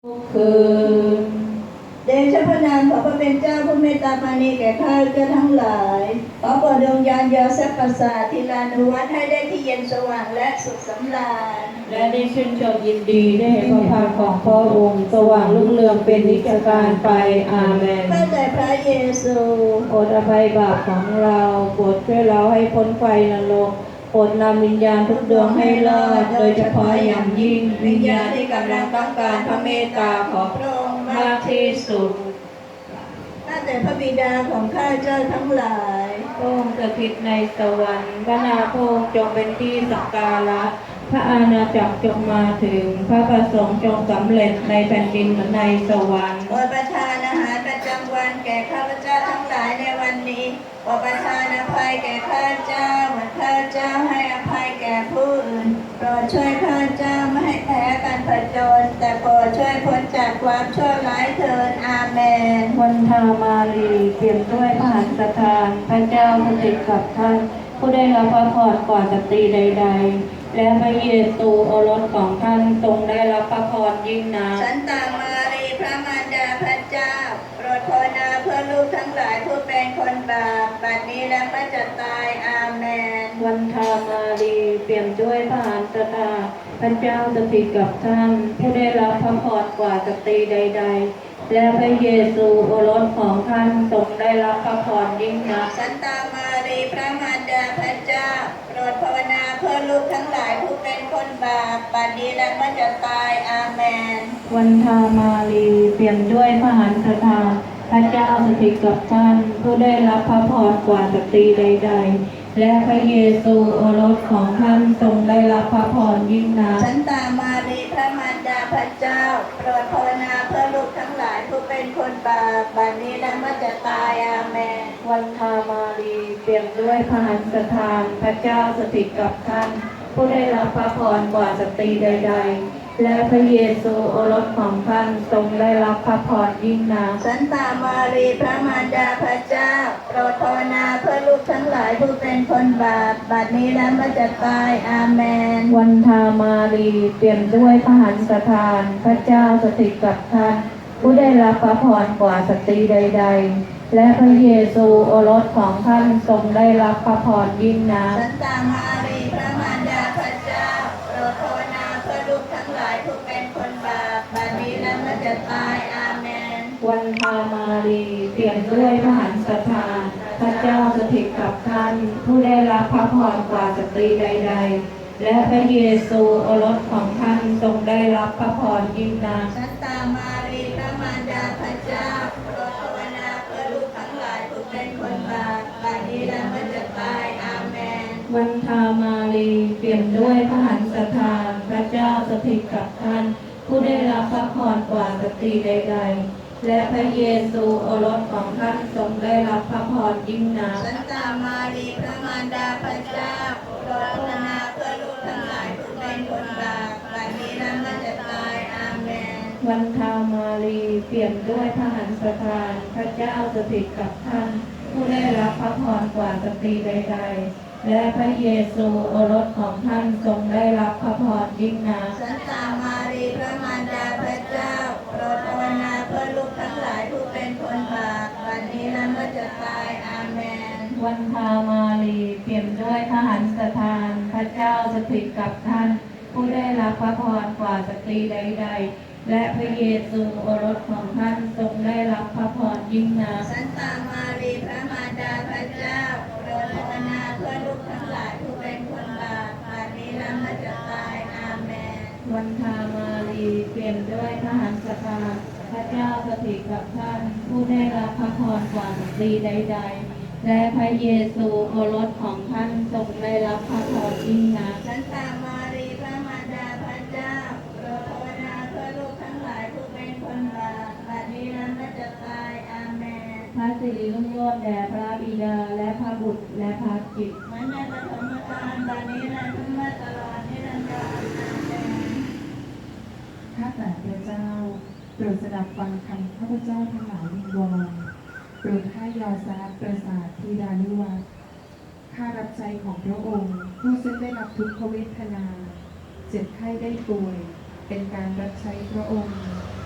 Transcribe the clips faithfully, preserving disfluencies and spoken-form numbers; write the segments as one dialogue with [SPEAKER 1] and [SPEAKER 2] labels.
[SPEAKER 1] คือ
[SPEAKER 2] เดชะพระนามขอพระเป็นเจ้าผู้เมตตาปราณีแก่ข้าพเจ้าทั้งหลายขอโปรดดวงญาณยาเสพประสาททีลานุวัตให้ได้ที่เย็นสว่างและสุขสำราญ
[SPEAKER 1] และได้ชื่นชมยินดีได้เห็นพระพักตร์ของพระองค์สว่างรุ่งเรืองเป็นนิจการไปอาเมน
[SPEAKER 2] ข้าแต่พระเยซู
[SPEAKER 1] โปรดอภัยบาปของเราโปรดช่วยเราให้พ้นไฟนรกโปรดนำวิญญาณทุกดวงให้รอดโดยเฉพาะอย่างยิ่งวิญญาณที่กำลังต้องการพระเมตตาของพระองค์มากที่สุด
[SPEAKER 2] ข้าแต่พระบิดาของข้าเจ้าทั้งหลาย
[SPEAKER 1] พระองค์สถิตในสวรรค์พระนามพระองค์จงเป็นที่สักการะพระอาณาจักรจงมาถึงพระประสงค์จงสำเร็จในแผ่นดินเหมือนในสวรรค์
[SPEAKER 2] โปรดประทานอาหารประจำวันแก่ข้าพเจ้าทั้งหลายในวันนี้โปรดประทานอภัยแก่ข้าพเจ้าเหมือนข้าพเจ้าให้อภัยแก่ผู้อื่นโปรดช่วยข้าพเจ้าไม่ให้แพ้การผจญแต่โปรดช่วยพ้นจากความชั่วร้ายเถิดอาเมน
[SPEAKER 1] วันธามารีเปี่ยมด้วยพระหัตถ์ทานพระเจ้าสถิตกับท่านผู้ได้รับพระพรกว่าสตรีใดๆและพระเยซูโอรสของท่านทรงได้รับพระพรยิ่งนัก
[SPEAKER 2] สันตามารีพระมารดาพระเจ้าโปรดภาวนาเพื่อลูกทั้งหลายผู้เป็นคนบาปบัดนี้และเมื่อจะตายอาเมน
[SPEAKER 1] วันธามารีเปี่ยมด้วยพระหัตถ์ทานพระเจ้าสถิตกับท่านผู้ได้รับพระพรกว่าสตรีใดๆและพระเยซูโอรสของท่านทรงได้รับพระพรยิ่งนัก
[SPEAKER 2] สันตามารีพระมารดาพระเจ้าโปรดภาวนาเพื่อลูกทั้งหลายผู้เป็นคนบาปบัดนี้และเมื่อจะตายอาเมน
[SPEAKER 1] วันธามารีเปี่ยมด้วยพระหัตถ์ทานพระเจ้าสถิตกับท่านผู้ได้รับพระพรกว่าสตรีใดๆและพระเยซูโอรสของท่านทรงได้รับพระพรยิ่งนัก
[SPEAKER 2] สันตามารีพระมารดาพระเจ้าโปรดภาวนาเพื่อลูกทั้งหลายผู้เป็นคนบาปบัดนี้และเมื่อจะตายอาเมน
[SPEAKER 1] วันธามารีเปี่ยมด้วยพระหัตถ์ทานพระเจ้าสถิตกับท่านผู้ได้รับพระพรกว่าสตรีใดๆและพระเยซูโอรสของท่านทรงได้รับพระพรยิ่งนัก
[SPEAKER 2] สันตามารีพระมารดาพระเจ้าโปรดภาวนาเพื่อลูกทั้งหลายผู้เป็นคนบาปบัดนี้และเมื่อจะตายอาเมน
[SPEAKER 1] วันธามารีเปี่ยมด้วยพระหัตถ์ทานพระเจ้าสถิตกับท่านผู้ได้รับพระพรกว่าสตรีใดๆและพระเยซูโอรสของท่านทรงได้รับพระพรยิ่งนัก
[SPEAKER 2] สันตามารีพระมารดาพระเจ้าโปรดภาวนาเพื่อลูกทั้งหลายผู้เป็นคนบาปบัดนี้และเมื่อจะตายอาเมน
[SPEAKER 1] วันธามารีเปี่ยมด้วยพระหัตถ์ทานพระเจ้าสถิตกับท่านผู้ได้รับพระพรกว่าสตรีใดๆและพระเยซูโอรสของท่านทรงได้รับพระพรยิ่งนัก
[SPEAKER 2] สันตามารีพระมารดาพระเจ้าโปรดภาวนาเพื่อลูกทั้งหลายผู้เป็นคนบาปบัดนี้และเมื่อจะตายอาเมน
[SPEAKER 1] วันธามารีเปี่ยมด้วยพระหัตถ์ทานพระเจ้าสถิตกับท่านผู้ได้รับพระพรกว่าสตรีใดๆและพระเยซูโอรสของท่านทรงได้รับพระพรยิ่งนัก
[SPEAKER 2] สันตามารีพระมารดาพระเจ้าโปรดภาวนาเพื่อลูกทั้งหลายผู้เป็นคนบาปบัดนี้และเมื่อจะตายอาเมน
[SPEAKER 1] วันธามารีเปี่ยมด้วยพระหัตถ์ทานพระเจ้าสถิตกับท่านผู้ได้รับพระพรกว่าสตรีใดๆและพระเยซูโอรสของท่านทรงได้รับพระพรยิ่งนัก
[SPEAKER 2] สันตามารีพระมารดาพระเจ้าโปรดภาวนาเพื่อลูกทั้งหลายผู้เป็นคนบาปบัดนี้และเมื่อจะตายอาเมน
[SPEAKER 1] วันธามารีเปี่ยมด้วยพระหัตถ์ทานพระเจ้าสถิตกับท่านผู้ได้รับพระพรกว่าสตรีใดๆและพระเยซูโอรสของท่านทรงได้รับพระพรยิ่งนัก
[SPEAKER 2] สันตามารีพระมารดาพระเจ้าโปรดภาวนาเพื่อลูกทั้งหลายผู้เป็นคนบาปบัดนี้และเมื่อจะตายอาเมน
[SPEAKER 1] วันธามารีเปี่ยมด้วยพระหัตถ์ทานพระเจ้าสถิตกับท่านผู้ได้รับพระพรกว่าสตรีใดๆและพระเยซูโอรสของท่านทรงได้รับพระพรยิ่งนัก
[SPEAKER 2] สันตามารีพระมารดาพระเจ้าโปรดภาวนาเพื่อลูกทั้งหลายผู้เป็นคนบาปบัดนี้และเมื่อจะตายอาเมน
[SPEAKER 1] พระสิริรุ่งโรจน์แด่พระบิดาและพระบุตรและพระจิต
[SPEAKER 2] เหมือนในปฐมกาลบัดนี้และถึงเมื่อตลอดนิรันดรอาเมน
[SPEAKER 3] ข้าแต่พระเจ้าโปรดสดับฟังคำข้าพเจ้าทั้งหลายวิงวอนโปรดให้ยอซาประสาทธิดานุวัตข้ารับใจของพระองค์ผู้ซึ่งได้รับทุกขเวทนาเจ็บไข้ได้ป่วยเป็นการรับใช้พระองค์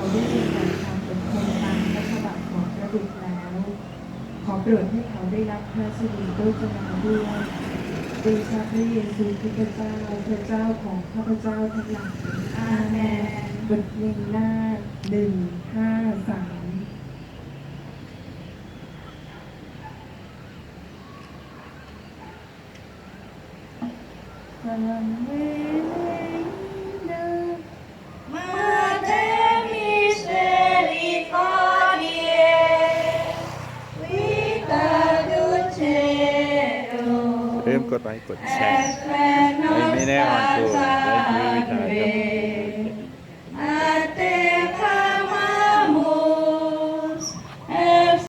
[SPEAKER 3] ได้เรียนแบบความอดทนตามพระฉบับของพระบุตรแล้ว ขอโปรดให้เขาได้รับพระสิริโภชนาด้วยโดยชาพระเยซูคริสต์เจ้าพระเจ้าของข้าพเจ้าทั้งหลายอาเมนบทเพลงหน้าหนึ่งห้าสาม
[SPEAKER 2] Mater misericordiae, vita dulceum,
[SPEAKER 4] เริ่มกดไลค์กดแชร์
[SPEAKER 2] et per
[SPEAKER 4] ไม่แน่ออน
[SPEAKER 2] nostra
[SPEAKER 4] ตัวและชีวิตวิถีครับ
[SPEAKER 2] salve.